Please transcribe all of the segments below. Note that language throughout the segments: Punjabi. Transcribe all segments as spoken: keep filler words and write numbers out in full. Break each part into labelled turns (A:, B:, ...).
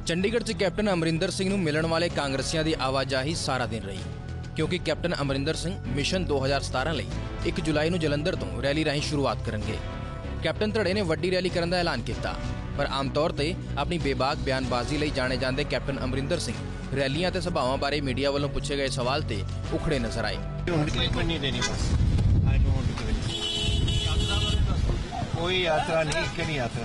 A: ਚੰਡੀਗੜ੍ਹ 'ਚ ਕੈਪਟਨ ਅਮਰਿੰਦਰ ਸਿੰਘ ਨੂੰ ਮਿਲਣ ਵਾਲੇ ਕਾਂਗਰਸੀਆਂ ਦੀ ਆਵਾਜਾਈ ਸਾਰਾ ਦਿਨ ਰਹੀ ਕਿਉਂਕਿ ਕੈਪਟਨ ਅਮਰਿੰਦਰ ਸਿੰਘ ਮਿਸ਼ਨ ਦੋ ਹਜ਼ਾਰ ਸਤਾਰਾਂ ਲਈ ਇੱਕ ਜੁਲਾਈ ਨੂੰ ਜਲੰਧਰ ਤੋਂ ਰੈਲੀ ਰਾਹੀਂ ਸ਼ੁਰੂਆਤ ਕਰਨਗੇ। ਕੈਪਟਨ ਧੜੇ ਨੇ ਵੱਡੀ ਰੈਲੀ ਕਰਨ ਦਾ ਐਲਾਨ ਕੀਤਾ, ਪਰ ਆਮ ਤੌਰ ਤੇ ਆਪਣੀ ਬੇਬਾਕ ਬਿਆਨਬਾਜ਼ੀ ਲਈ ਜਾਣੇ ਜਾਂਦੇ ਕੈਪਟਨ ਅਮਰਿੰਦਰ ਸਿੰਘ ਰੈਲੀਆਂ ਤੇ ਸਭਾਵਾਂ ਬਾਰੇ ਮੀਡੀਆ ਵੱਲੋਂ ਪੁੱਛੇ ਗਏ ਸਵਾਲ ਤੇ ਉਖੜੇ ਨਜ਼ਰ ਆਏ।
B: ਕੋਈ ਯਾਤਰਾ ਨਹੀਂ, ਕਿਹੜੀ ਯਾਤਰਾ?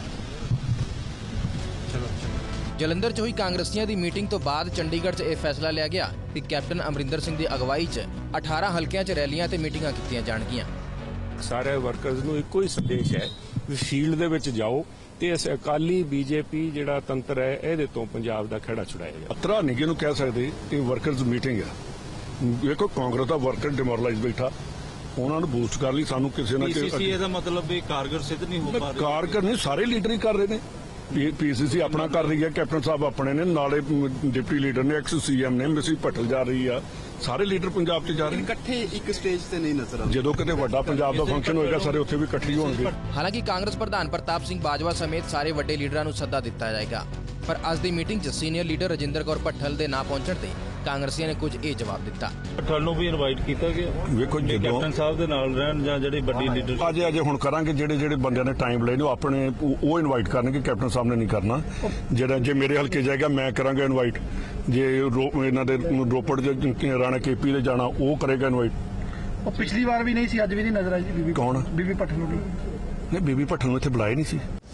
B: ਚਲੋ ਚਲੋ।
A: ਜਲੰਧਰ 'ਚ ਹੋਈ ਕਾਂਗਰਸੀਆਂ ਦੀ ਮੀਟਿੰਗ ਤੋਂ ਬਾਅਦ ਚੰਡੀਗੜ੍ਹ 'ਚ ਇਹ ਫੈਸਲਾ ਲਿਆ ਗਿਆ ਕਿ ਕੈਪਟਨ ਅਮਰਿੰਦਰ ਸਿੰਘ ਦੀ ਅਗਵਾਈ 'ਚ ਅਠਾਰਾਂ ਹਲਕਿਆਂ 'ਚ ਰੈਲੀਆਂ ਤੇ ਮੀਟਿੰਗਾਂ ਕੀਤੀਆਂ ਜਾਣਗੀਆਂ।
C: ਸਾਰੇ ਵਰਕਰਸ ਨੂੰ ਇੱਕੋ ਹੀ ਸੰਦੇਸ਼ ਹੈ ਵੀ ਫੀਲਡ ਦੇ ਵਿੱਚ ਜਾਓ ਤੇ ਇਸ ਅਕਾਲੀ ਬੀਜੇਪੀ ਜਿਹੜਾ ਤੰਤਰ ਹੈ ਇਹਦੇ ਤੋਂ ਪੰਜਾਬ ਦਾ ਖਹਿੜਾ ਛੁਡਾਇਆ ਜਾਵੇ।
D: ਅਤਰਾ ਨਹੀਂ ਕਿਹਨੂੰ ਕਹਿ ਸਕਦੇ, ਇਹ ਵਰਕਰਸ ਮੀਟਿੰਗ ਹੈ। ਵੇਖੋ ਕਾਂਗਰਸ ਦਾ ਵਰਕਰ ਡਿਮੋਰਲਾਈਜ਼ ਬੈਠਾ, ਉਹਨਾਂ ਨੂੰ ਬੂਸਟ ਕਰ ਲਈ ਸਾਨੂੰ ਕਿਸੇ ਨਾ ਕਿਸੇ
E: ਪੀਸੀਸੀ ਇਹਦਾ ਮਤਲਬ ਵੀ ਕਾਰਗਰ ਸਿੱਧ ਨਹੀਂ ਹੋ ਪਾ ਰਿਹਾ।
D: ਕਾਰਗਰ ਨਹੀਂ, ਸਾਰੇ ਲੀਡਰ ਹੀ ਕਰ ਰਹੇ ਨੇ। ਪੀਸੀਸੀ ਆਪਣਾ ਕਰ ਰਹੀ ਹੈ, ਕੈਪਟਨ ਸਾਹਿਬ ਆਪਣੇ ਨੇ, ਨਾਲੇ ਡਿਪਟੀ ਲੀਡਰ ਨੇ, ਐਕਸ ਸੀਐਮ ਨੇ, ਮਿਸਿਸ ਪਟੇਲ ਜਾ ਰਹੀ ਆ, ਸਾਰੇ ਲੀਡਰ ਪੰਜਾਬ 'ਚ ਜਾ ਰਹੇ ਨੇ।
F: ਇਕੱਠੇ ਇੱਕ ਸਟੇਜ ਤੇ ਨਹੀਂ ਨਜ਼ਰ ਆਉਂਦੇ।
D: ਜਦੋਂ ਕਿਤੇ ਵੱਡਾ ਪੰਜਾਬ ਦਾ ਫੰਕਸ਼ਨ ਹੋਏਗਾ ਸਾਰੇ ਉੱਥੇ ਵੀ ਇਕੱਠੇ ਹੋਣਗੇ।
A: ਹਾਲਾਂਕਿ ਕਾਂਗਰਸ ਪ੍ਰਧਾਨ ਪ੍ਰਤਾਪ ਸਿੰਘ ਬਾਜਵਾ ਸਮੇਤ ਸਾਰੇ ਵੱਡੇ ਲੀਡਰਾਂ ਨੂੰ ਸੱਦਾ ਦਿੱਤਾ ਜਾਏਗਾ, ਪਰ ਅੱਜ ਦੀ ਮੀਟਿੰਗ 'ਚ ਸੀਨੀਅਰ ਲੀਡਰ ਰਜਿੰਦਰ ਕੌਰ ਭੱਠਲ ਦੇ ਨਾ ਪਹੁੰਚਣ ਤੇ ਕਾਂਗਰਸੀਆਂ ਨੇ ਕੁਝ ਇਹ ਜਵਾਬ ਦਿੱਤਾ।
E: ਭੱਠਲ ਨੂੰ ਵੀ ਇਨਵਾਈਟ ਕੀਤਾ ਗਿਆ,
D: ਵੇਖੋ ਜਦੋਂ
E: ਕੈਪਟਨ ਸਾਹਿਬ ਦੇ ਨਾਲ ਰਹਿਣ ਜਾਂ ਜਿਹੜੇ ਵੱਡੀ ਲੀਡਰ
D: ਅੱਜ ਅਜੇ ਹੁਣ ਕਰਾਂਗੇ, ਜਿਹੜੇ ਜਿਹੜੇ ਬੰਦਿਆਂ ਨੇ ਟਾਈਮ ਲਏ ਨੇ ਉਹ ਆਪਣੇ ਉਹ ਇਨਵਾਈਟ ਕਰਨਗੇ, ਕੈਪਟਨ ਸਾਹਿਬ ਨੇ ਨਹੀਂ ਕਰਨਾ। ਜਿਹੜਾ ਜੇ ਮੇਰੇ ਹਲਕੇ ਜਾਏਗਾ ਮੈਂ ਕਰਾਂਗਾ ਇਨਵਾਈਟ, ਜੇ ਇਹਨਾਂ ਦੇ ਰੋਪੜ ਦੇ ਰਾਣਾ ਕੇਪੀ ਦੇ ਜਾਣਾ ਉਹ ਕਰੇਗਾ ਇਨਵਾਈਟ।
G: ਉਹ ਪਿਛਲੀ ਵਾਰ ਵੀ ਨਹੀਂ ਸੀ, ਅੱਜ ਵੀ ਨਹੀਂ ਨਜ਼ਰ ਆਈ। ਬੀਬੀ
D: ਕੌਣ?
G: ਬੀਬੀ ਭੱਠਲ ਨੂੰ
D: ਨਹੀਂ, ਬੀਬੀ ਭੱਠਲ ਨੂੰ ਇੱਥੇ ਬੁਲਾਇਆ ਨਹੀਂ ਸੀ।